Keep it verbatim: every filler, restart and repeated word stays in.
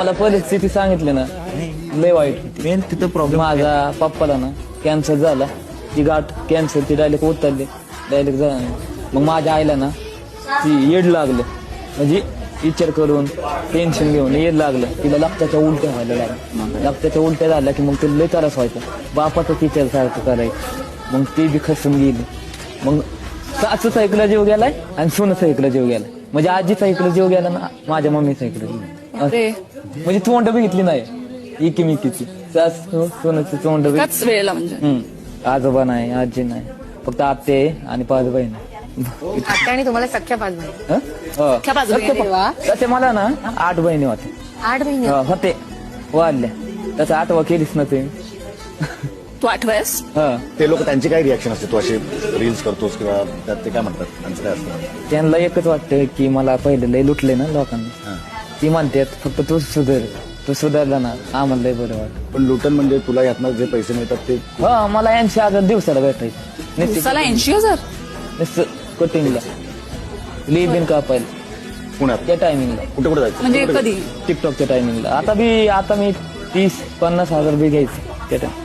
मला परिस्थिती सांगितली ना लय वाईट होती. मेन तिथं प्रॉब्लेम माझ्या पप्पाला ना कॅन्सर झाला, ती गाठ कॅन्सर ती डायरेक्ट उतरली डायरेक्ट झाला. मग माझ्या आईला ना ती येड लागलं, म्हणजे विचार करून टेन्शन घेऊन येड लागलं. तिला रक्ताच्या उलट्या व्हायला लागल्या. रक्ताच्या उलट्या झाल्या की मग तिला लय त्रास व्हायचा. बापाचं विचार सारखं करायचं. मग ती बी खसून गेली. मग सासूचा इकडं जीव गेलाय आणि सोनचा इकडं जीव गेलाय. म्हणजे आजीचा इकडं जीव गेला ना माझ्या मम्मीचा इकडं जीव. अरे म्हणजे तोंड बघितली नाही इकिमिकीची. सासू सोनाची तोंड बघितली. एकाच वेळेला म्हणजे हम्म. आजोबा नाही, आजी नाही, फक्त आत्ते आणि पाच बहीण. आत्या आणि तुम्हाला सख्या पाच बहिणी. हं? हो. सख्या पाच बहिणी. सख्या वा. पा- तसे मला ना आठ बहिणी होत्या. आठ बहिणी हो, होते वाढल्या. तसं आठवा केलीच ना तुम्ही. तू आठवायस हं. ते लोक त्यांची काय रिॲक्शन असते तू असे रील्स करतोस किंवा त्यात ते काय म्हणतात त्यांचं काय असतं? त्यांना एकच वाटतं की मला पहिले लय लुटले ना लोकांनी. ती म्हणतात फक्त तू सुधार, तू सुधारला ना आम्हाला लय बरं वाटत. पण लुटन म्हणजे तुला यातनं जे पैसे मिळतात ते हो, मला ऐंशी हजार दिवसाला भेटायचे. नुसती- दिवसाला ऐंशी हजार नुसतं कटिंगला लिबिन कापायला पुण्यात त्या टायमिंगला, कुठे कुठे जायचं? म्हणजे कधी टिकटॉकच्या टायमिंगला. आता बी आता मी तीस पन्नास हजार बी घ्यायचे त्या time.